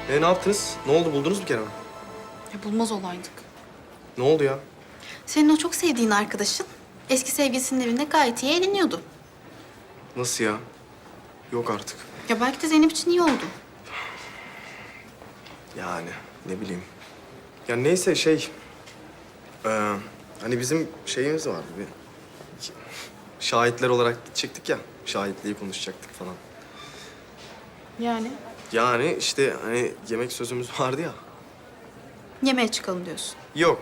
Ne yaptınız? Ne oldu? Buldunuz mu Kerem'i? Ya bulmaz olaydık. Ne oldu ya? Senin o çok sevdiğin arkadaşın eski sevgilisinin evinde gayet iyi eğleniyordu. Nasıl ya? Yok artık. Ya belki de Zeynep için iyi oldu. Yani ne bileyim. Ya neyse hani bizim şeyimiz vardı bir. Şahitler olarak gidecektik ya. Şahitliği konuşacaktık falan. Yani? Yani işte hani yemek sözümüz vardı ya. Yemeğe çıkalım diyorsun. Yok.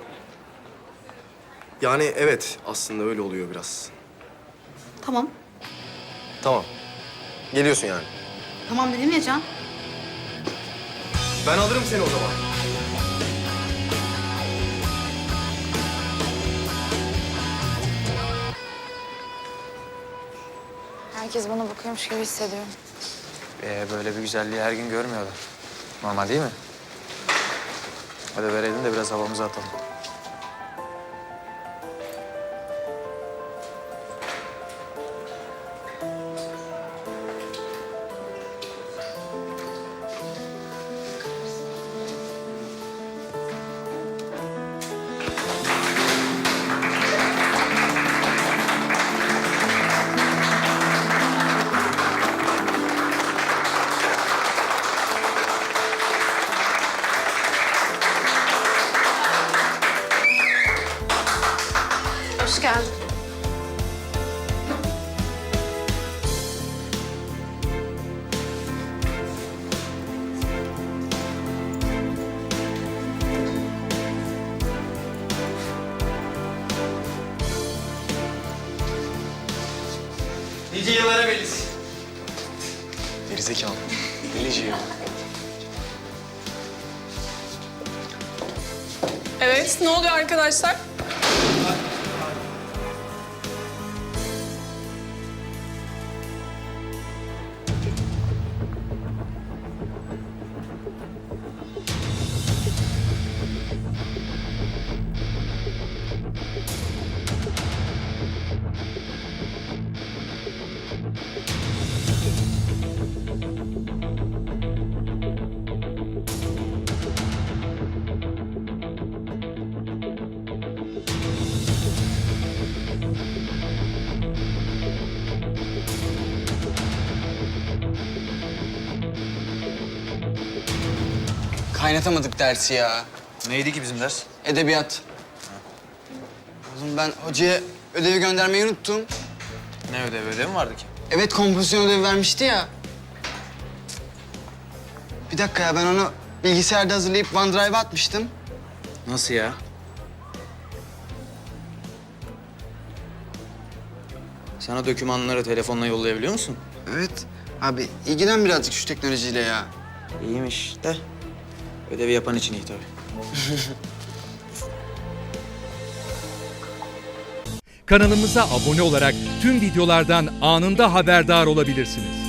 Yani evet aslında öyle oluyor biraz. Tamam. Tamam. Geliyorsun yani. Tamam dedim ya Can. Ben alırım seni o zaman. Herkes bana bakıyormuş gibi hissediyorum. Böyle bir güzelliği her gün görmüyorlar. Normal değil mi? Hadi verelim de biraz havamızı atalım. Hoş geldin. Nice yıllara Melis. Gerizekalı. Delici ya. Evet, ne oluyor arkadaşlar? Kaynatamadık dersi ya. Neydi ki bizim ders? Edebiyat. Oğlum ben hocaya ödevi göndermeyi unuttum. Ne ödevi mi vardı ki? Evet, kompozisyon ödevi vermişti ya. Bir dakika ya, ben onu bilgisayarda hazırlayıp OneDrive'a atmıştım. Nasıl ya? Sana dokümanları telefonla yollayabiliyor musun? Evet. Abi ilgilen birazcık şu teknolojiyle ya. İyiymiş de ödevi yapan için iyi tabii. Kanalımıza abone olarak tüm videolardan anında haberdar olabilirsiniz.